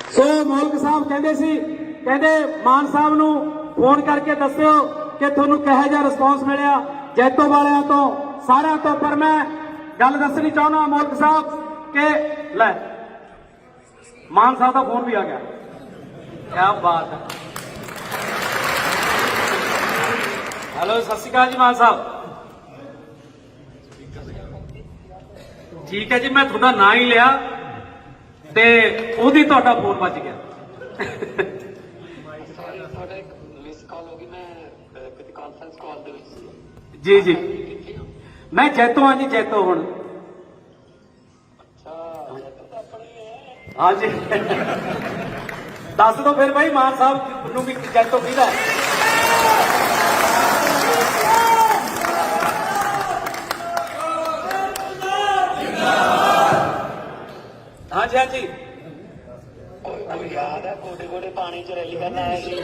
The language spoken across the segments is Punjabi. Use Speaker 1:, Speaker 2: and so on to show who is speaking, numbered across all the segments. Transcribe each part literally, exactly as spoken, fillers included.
Speaker 1: ਸੋ ਮੌਲਕ ਸਾਹਿਬ ਕਹਿੰਦੇ ਸੀ, ਕਹਿੰਦੇ ਮਾਨ ਸਾਹਿਬ ਨੂੰ ਫੋਨ ਕਰਕੇ ਦੱਸਿਓ ਕਿ ਤੁਹਾਨੂੰ ਕਿਹੋ ਜਿਹਾ ਰਿਸਪੌਂਸ ਮਿਲਿਆ ਜੈਤੋ ਵਾਲਿਆਂ ਤੋਂ, ਸਾਰਿਆਂ ਤੋਂ। ਪਰ ਮੈਂ ਗੱਲ ਦੱਸਣੀ ਚਾਹੁੰਦਾ ਮੌਲਕ ਸਾਹਿਬ ਕਿ ਲੈ ਮਾਨ ਸਾਹਿਬ ਦਾ ਫੋਨ ਵੀ ਆ ਗਿਆ। ਕਿਆ ਬਾਤ ਹੈ। ਹੈਲੋ, ਸਤਿ ਸ਼੍ਰੀ ਅਕਾਲ ਜੀ ਮਾਨ ਸਾਹਿਬ। ਠੀਕ ਹੈ ਜੀ, ਮੈਂ ਤੁਹਾਡਾ ਨਾਂ ਹੀ ਲਿਆ ਤੇ ਉਹਦੀ ਤੁਹਾਡਾ ਫੋਨ ਵੱਜ ਗਿਆ। ਜੀ ਜੀ, ਮੈਂ ਜੈਤੋ ਹਾਂ ਜੀ, ਜੈਤੋ ਹੁਣ। हाँ जी, दस दो फिर भाई मान साहब नूं भी जैतों किहदा है। हाँ जी, हाँ जी,
Speaker 2: याद है गोडे गोडे पानी च रैली करना आया जी।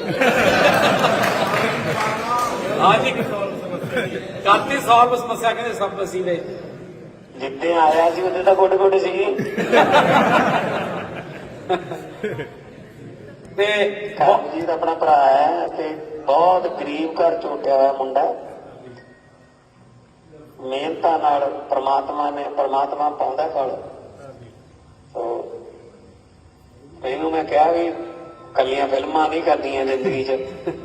Speaker 1: हाँ जी, काफी सॉल्व समस्या कहते सब वसीले
Speaker 2: जिद्दे आया जी उदे तां गोडे गोडे सी।
Speaker 1: ਤੇ
Speaker 2: ਕਰਮਜੀਤ ਆਪਣਾ ਭਰਾ ਹੈ ਤੇ ਬਹੁਤ ਗਰੀਬ ਘਰ ਚੋਟਿਆ ਹੋਇਆ ਮੁੰਡਾ, ਮਿਹਨਤਾਂ ਨਾਲ ਪ੍ਰਮਾਤਮਾ ਨੇ ਪ੍ਰਮਾਤਮਾ ਪਾਉਂਦਾ ਫਲ। ਸੋ ਇਹਨੂੰ ਮੈਂ ਕਿਹਾ ਵੀ ਕੱਲੀਆਂ ਫਿਲਮਾਂ ਨਹੀਂ ਕਰਦੀਆਂ ਜ਼ਿੰਦਗੀ 'ਚ,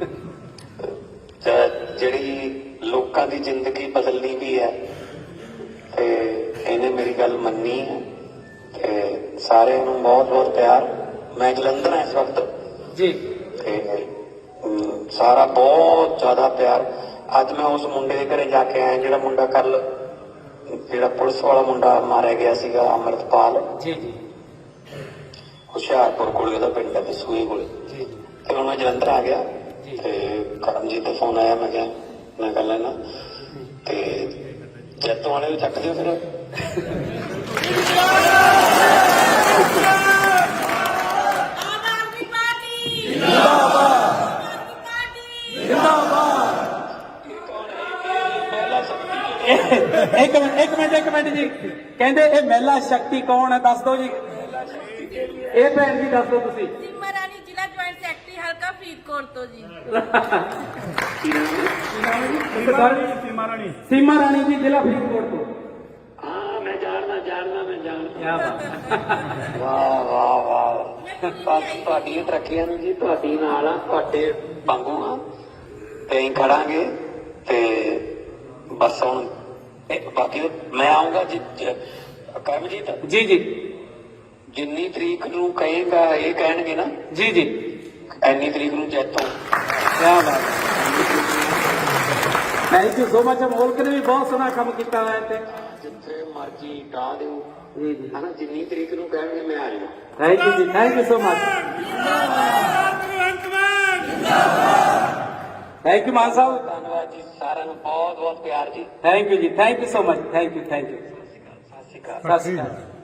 Speaker 2: ਜਿਹੜੀ ਲੋਕਾਂ ਦੀ ਜ਼ਿੰਦਗੀ ਬਦਲਣੀ ਵੀ ਹੈ। ਤੇ ਇਹਨੇ ਮੇਰੀ ਗੱਲ ਮੰਨੀ ਹੈ ਤੇ ਸਾਰਿਆਂ ਨੂੰ ਬਹੁਤ ਬਹੁਤ ਪਿਆਰ। ਮੈਂ ਜਲੰਧਰ ਹਾਂ ਇਸ ਵਕਤ
Speaker 1: ਜੀ
Speaker 2: ਤੇ ਸਾਰਾ ਬਹੁਤ ਜ਼ਿਆਦਾ ਪਿਆਰ। ਅੱਜ ਮੈਂ ਉਸ ਮੁੰਡੇ ਦੇ ਘਰੇ ਜਾ ਕੇ ਆਇਆ ਜਿਹੜਾ ਮੁੰਡਾ ਕੱਲ ਜਿਹੜਾ ਪੁਲਿਸ ਵਾਲਾ ਮੁੰਡਾ ਮਾਰਿਆ ਗਿਆ ਸੀਗਾ, ਅੰਮ੍ਰਿਤਪਾਲ।
Speaker 1: ਜੀ ਜੀ,
Speaker 2: ਹੁਸ਼ਿਆਰਪੁਰ ਕੋਲੇ ਉਹਦਾ ਪਿੰਡ ਹੈ, ਸੂਏ ਕੋਲੇ। ਤੇ ਹੁਣ ਮੈਂ ਜਲੰਧਰ ਆ ਗਿਆ ਤੇ ਕਰਮਜੀਤ ਦਾ ਫੋਨ ਆਇਆ, ਮੈਂ ਕਿਹਾ ਮੈਂ ਕਰ ਲੈਣਾ ਤੇ ਜੈਤੋਂ ਵਾਲੇ ਨੂੰ ਚੱਕ ਦਿਓ ਫਿਰ।
Speaker 1: एक मिनट एक मिनट एक मिनट जी, कहते ये महिला शक्ति कौन है, दस दो जी। ये भैन जी दस दो तुसी।
Speaker 3: सीमा रानी जिला ज्वाइंट सैकटरी हल्का फरीदकोट तो जी।
Speaker 1: सीमा रानी सीमा रानी जी जिला फरीदकोट तो।
Speaker 2: हाँ मैं जानना जानना मैं जानना।
Speaker 1: क्या बात।
Speaker 2: वाह वाह वाह, बस ਤੁਹਾਡੀਆਂ ਤਰੱਕੀਆਂ ਨੂੰ ਜੀ ਤੁਹਾਡੀ ਨਾਲ ਆ, ਤੁਹਾਡੇ ਵਾਂਗੂ ਆ ਤੇ ਅਸੀਂ ਖੜਾਂਗੇ ਤੇ ਬਸ ਹੁਣ ਬਾਕੀ ਮੈਂ ਆਉਂਗਾ ਜੀ। ਕਰਮਜੀਤ
Speaker 1: जी जी
Speaker 2: ਜਿੰਨੀ ਤਰੀਕ ਨੂੰ ਕਹੇਗਾ ਇਹ ਕਹਿਣਗੇ ਨਾ
Speaker 1: जी जी,
Speaker 2: ਇੰਨੀ ਤਰੀਕ ਨੂੰ ਜੈਤੋਂ।
Speaker 1: क्या बात। Thank you so much. Molak ने भी बहुत सोहना काम किया है ते
Speaker 2: ਜਿੱਥੇ ਮਰਜੀ ਡਾ ਦਿਓ
Speaker 1: जी जी,
Speaker 2: ਹਨਾ, ਜਿੰਨੀ ਤਰੀਕ ਨੂੰ ਕਹਿਣਗੇ ਮੈਂ ਆ ਜਾਣਾ।
Speaker 1: थैंक यू जी, thank you so much. Thank you Mann sahab,
Speaker 2: ਧੰਨਵਾਦ ਜੀ ਸਾਰਿਆਂ ਨੂੰ, ਬਹੁਤ ਬਹੁਤ ਪਿਆਰ ਜੀ।
Speaker 1: थैंक यू जी, thank you so much, thank you thank you.
Speaker 2: ਸਤਿ ਸ਼੍ਰੀ ਅਕਾਲ।
Speaker 1: सत श्री अकाल।